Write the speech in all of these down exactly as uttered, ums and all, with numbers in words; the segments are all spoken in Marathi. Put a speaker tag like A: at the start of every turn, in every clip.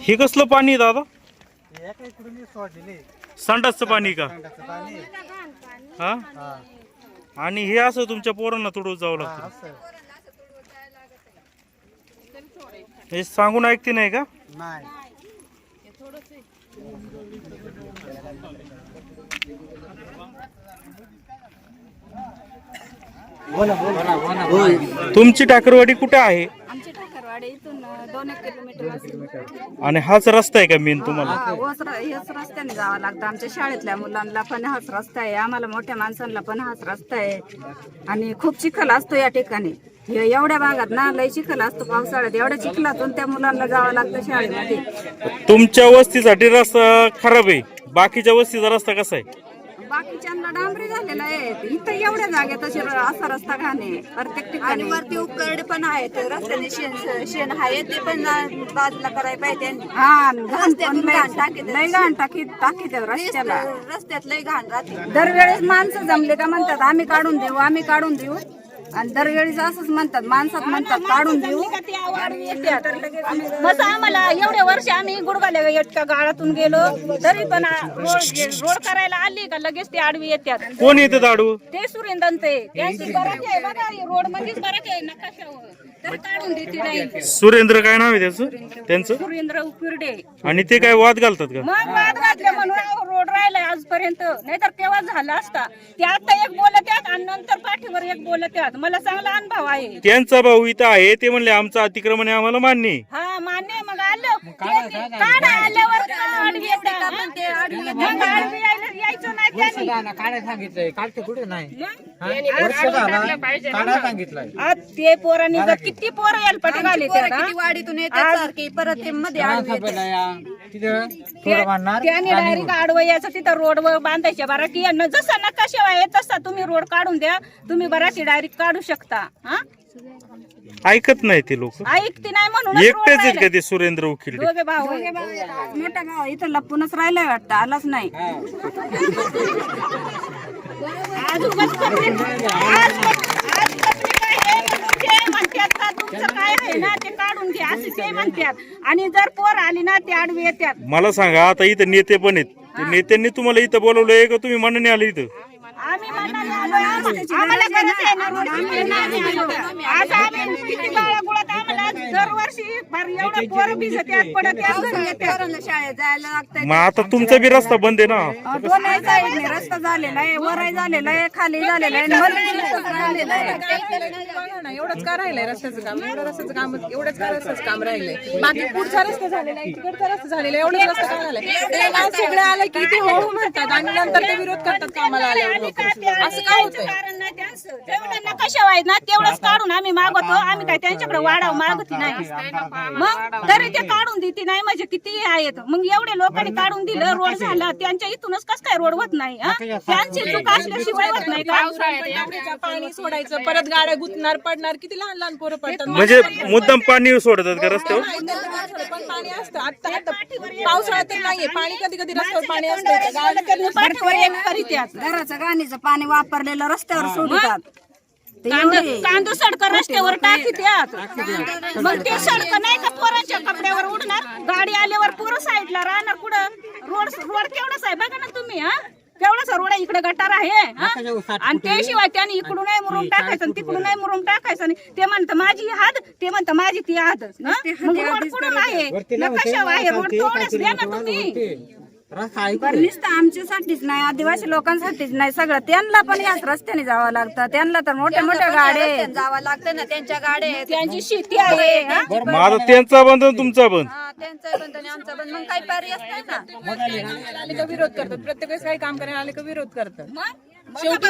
A: हे कसलं पाणी आहे दादा? संडासचं पाणी का? हा. आणि हे असं तुमच्या पोरांना तोडून जावं लागतं? हे सांगून ऐकते नाही का? तुमची टाकरवाडी कुठे आहे?
B: आमची ठाकरवाडी इथून दोन एक किलोमीटर असेल.
A: आणि हाच रस्ता आहे का मेन तुम्हाला?
B: हा, ओस र- हेच रस्त्याने जावं लागतं. आमच्या शाळेतल्या मुलांना पण हाच रस्ता आहे, आम्हाला मोठ्या माणसांना पण हाच रस्ता आहे. आणि खूप चिखल असतो या ठिकाणी. हे एवढ्या भागात ना लय चिखल असतो पावसाळ्यात. एवढ्या चिखलातून त्या मुलांना जावं लागतं शाळेमध्ये.
A: तुमच्या वस्तीसाठी रस्ता खराब आहे, बाकीच्या वस्तीचा रस्ता कसा आहे?
B: बाकीच्यांना डांबरी झालेला आहे. इथं एवढ्या जागेत अशी र- असा रस्ता घाणे प्रत्येक ठिकाणी. वरती उपकरडे पण आहेत, रस्त्याने शेण शेण आहे ते पण बाजूला करायला पाहिजे त्यांनी. हा, घाण पण लय लय घाण टाकीत टाकीत रस्त्याला. रस्त्यात लय घाण राहते. दरवेळेस माणसं जमले का म्हणतात आम्ही काढून देऊ आम्ही काढून देऊ. आणि दरवेळेस असंच म्हणतात, माणसात म्हणतात काढून देऊ.
C: मग आम्हाला एवढे वर्ष आम्ही गुडगाले इतक्या गाळातून गेलो तरी पण रोड रोड करायला आली का लगेच ते आडवी येतात.
A: कोण येते दाडू?
C: ते सुरेंद्र ते त्यांची बराच आहे बघा, रोड मध्येच बराच आहे नकाशावर तर काढून देते नाही.
A: सुरेंद्र काय नाव आहे त्याचं त्यांचं?
C: सुरेंद्र उपिर्डे.
A: आणि ते काय वाद घालतात का?
C: मग वाद घातले म्हणून रोड राहिलाय आजपर्यंत, नाहीतर केव्हा झाला असता. ते आता एक बोलत आहेत आणि नंतर पाठीवर एक बोलत आहेत. मला चांगला अनुभव आहे.
A: त्यांचा भाऊ इथं आहे, ते म्हणले आमचं अतिक्रमण आहे आम्हाला मान्य आहे.
C: हा मान्य आहे. मग आलं काढा आल्यावर आडवी येतात. मग आडवी यायला यायचं नाही त्यांनी.
D: काढायला सांगितलंय, काढते कुठे नाही.
C: मग
D: वर्ष झाला काढायला सांगितलंय.
C: आज ते पोरांनी जर किती पोरं यायला पटी घाली
B: वाडीतून येतात सारखी परत ते मध्ये आडवी येतात.
D: तिथं थोडं मानणार
C: त्याने डायरेक्ट आडवं यायचं तिथं रोड वर बांधायच्या बरा की यांना जसा नकाशा आहे तसा तुम्ही रोड काढून द्या, तुम्ही बराची डायरेक्ट काढू शकता. हा
A: ऐकत नाही ते लोक.
C: ऐकते नाही म्हणून
A: एकटेच आहेत का ते सुरेंद्र उकिरडे?
C: दोघे भाऊ आहे.
B: मोठा भाव इथं लपूनच राहिलाय वाटतं, आलाच नाही.
C: आज उगाच पत्रिक- आज आज पत्रिका आहे म्हणून ते म्हणतात का तुमचं काय आहे ना ते काढून घ्या असे ते म्हणतात. आणि जर पोर आली ना ते आडवी येतात.
A: मला सांगा, आता इथं नेते पण आहेत, ते नेत्यांनी तुम्हाला इथं बोलवलंय का तुम्ही मनाने आले इथं?
C: आम्ही मनाने आलोय. आम्हाला गरज आहे ना रोडची. आम्ही आलो. आज आम्ही किती बाळागुळात आम्हाला दरवर्षी फार एवढं पोरं भिजत्यात पडत
B: पोरांना शाळेत जायला लागतंय.
A: मग आता तुमचा बी रस्ता बंद आहे ना?
B: दोन्ही साईडने रस्ता झालेला आहे, वरही झालेला आहे, खाली झालेला आहे, मध्ये रस्ता झालेला आहे.
E: एवढंच का राहिलंय रस्त्याचं काम? एवढं रस्त्याचं काम एवढंच का रस्त्याचं काम राहिलंय? बाकी पुढचा रस्ता झालेला आहे, तिकडचा रस्ता झालेला आहे, एवढंच रस्ता का झालाय? ते ना सगळे आले की ते हो म्हणतात आणि नंतर ते विरोध करतात कामाला आल्यावर लोक. असं काय होतंय?
C: कारण नाही त्यांचं. जेवढं नकाशा आहे ना तेवढंच काढून आम्ही मागवतो. आम्ही काय त्यांच्याकडे वाढाव मागती नाही. मग तरी ते काढून देते नाही म्हणजे किती आहेत. मग एवढे लोकांनी काढून दिलं, रोड झाला, त्यांच्या इथूनच कस काय रोड होत नाही? हा? त्यांची चूक असल्याशिवाय होत नाही का?
E: पावसाळ्यात पाणी सोडायचं, परत गाड्या गुतणार पडणार, किती लहान लहान पोरं पडतात.
A: म्हणजे मुद्दाम पाणी सोडतात का रस्त्यावर?
E: पण पाणी असतं. आता आता पावसाळ्यात तर नाहीये पाणी, कधी कधी रस्त्यावर पाणी असतं.
C: पाठीवर एक करीत्यात.
B: घराचं गाणीचं पाणी वापरलेलं रस्त्यावर सोडतात. ते
C: कांद
B: एवढे-
C: कांदो सडक रस्त्यावर टाकीत्यात. मग ते सडक नाही का पोरांच्या कपड्यावर उडणार? गाडी आल्यावर पोरं साईडला राहणार कुठं? रोड रोड केवढाच आहे बघा ना तुम्ही. हा केवढाच रोड आहे, इकडे गटार आहे. हा? आणि त्याशिवाय त्याने इकडून नाही मुरुम टाकायचं आणि तिकडून नाही मुरुम टाकायचं. आणि ते म्हणतं माझी हात, ते म्हणतं माझी ती हात. मग रोड कुठून आहे? नकाशा आहे, रोड तेवढंच द्या ना तुम्ही.
B: बरं नुसतं आमच्यासाठीच नाही, आदिवासी लोकांसाठीच नाही, सगळं त्यांना पण याच रस्त्याने जावं लागतं. त्यांना तर मोठ्या मोठ्या गाड्या जावं लागतं ना, त्यांच्या गाड्या आहेत,
C: त्यांची शेती आहे. हा?
A: मग आता त्यांचा बंद आणि तुमचा बंद.
B: त्यांचा बंद आणि आमचा बंद. मग काही पर्याय असतो ना.
E: आले का विरोध करतात, प्रत्येक वेळेस काही काम करायला आले का विरोध करतात.
C: शेवटी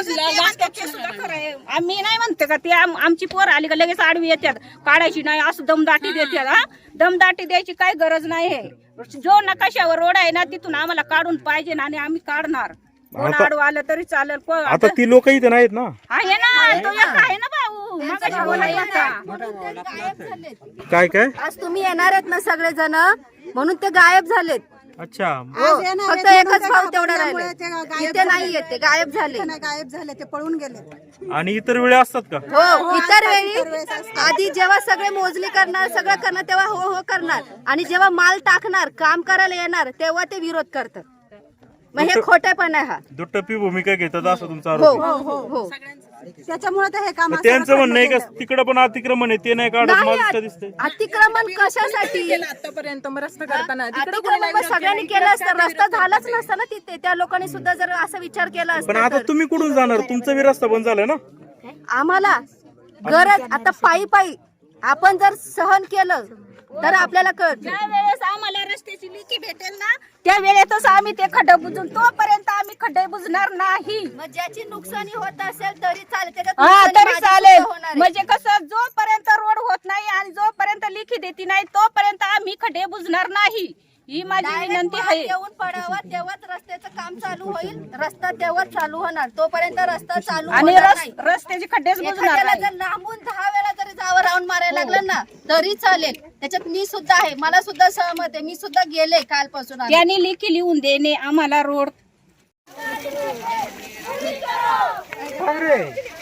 C: आम्ही नाही म्हणते का ते आम- आमची पोर आली का लगेच आडवी येतात. काढायची नाही असं दमदाटी देतात. हा दमदाटी द्यायची काही गरज नाही आहे. जो नकाशावर रोड आहे ना तिथून आम्हाला काढून पाहिजे ना आणि आम्ही काढणार. कोण आडवं आलं तरी चालेल. कोण
A: आता ती लोक इथं नाहीत ना?
C: आहे ना, तो एक आहे ना भाऊ. मगाशी बोलायला होता.
A: काय काय
B: आज तुम्ही येणार आहेत ना सगळेजण, म्हणून ते गायब झालेत.
A: अच्छा
B: फक्त एकच भाऊ तेवढा राहिले, इथे नाही येते, गायब झाले.
F: गायब झाले, ते पळून गेले.
A: आणि इतर वेळी असतात का?
B: हो, इतर वेळी आधी जेव्हा सगळे मोजणी करणार, सगळं करणार, तेव्हा हो हो करणार, आणि जेव्हा माल टाकणार, काम करायला येणार, तेव्हा ते विरोध करतात. मग हे खोटेपण आहे हा.
A: दुटप्पी भूमिका घेतात असं तुमचा
B: हो
A: आरोप आहे.
B: हो हो.
F: त्याच्यामुळे तर हे काम
A: मग त्यांचं म्हणणं आहे का तिकडं पण अतिक्रमण आहे, ते नाही काढत,
B: नाही,
A: माझं का दिसतंय?
B: अतिक्रमण कशासाठी?
E: आतापर्यंत मग रस्ता करताना तिकडे
B: अतिक्रमण मग सगळ्यांनी केलं असतं, रस्ता झालाच नसता ना तिथे. त्या लोकांनी सुद्धा जर असा विचार केला
A: पण
B: असता
A: आता
B: तर.
A: तुम्ही कुठून जाणार? तुमचा बी रस्ता बंद झालाय ना.
B: आम्हाला गरज आता पायी पायी आपण जर सहन केलं तर आपल्याला कळत.
C: ज्या वेळेस आम्हाला रस्त्याची लिखी भेटेल ना, त्या वेळेतच आम्ही ते खड्डे बुजून, तोपर्यंत आम्ही खड्डे बुजणार नाही.
B: मग ज्याची नुकसानी होत असेल तरी चालेल, त्याच्यात
C: हा
B: नुकसानी
C: तरी
B: माझी
C: चालेल.
B: सुद्धा होणार आहे.
C: म्हणजे कसं, जोपर्यंत रोड होत नाही आणि जोपर्यंत लिखी देती नाही, तोपर्यंत आम्ही खड्डे बुजणार नाही, ही माझी
B: Direct
C: विनंती
B: माल
C: आहे.
B: येऊन पडावा, तेव्हाच रस्त्याचं काम चालू होईल. रस्ता तेव्हाच चालू होणार, तोपर्यंत रस्ता चालू
C: आणि
B: होणार
C: रस-
B: नाही.
C: रस्त्याचे खड्डेच बुजणार
B: एखाद्याला
C: नाही.
B: जर लांबून दहा वेळा जरी जावं राऊंड मारायला लागलं ना तरी चालेल. त्याच्यात मी सुद्धा आहे, मला सुद्धा सहमत आहे. मी सुद्धा गेले कालपासून आले.
C: त्यांनी लिखी लिहून देणे आम्हाला रोड.
D: ठाकरे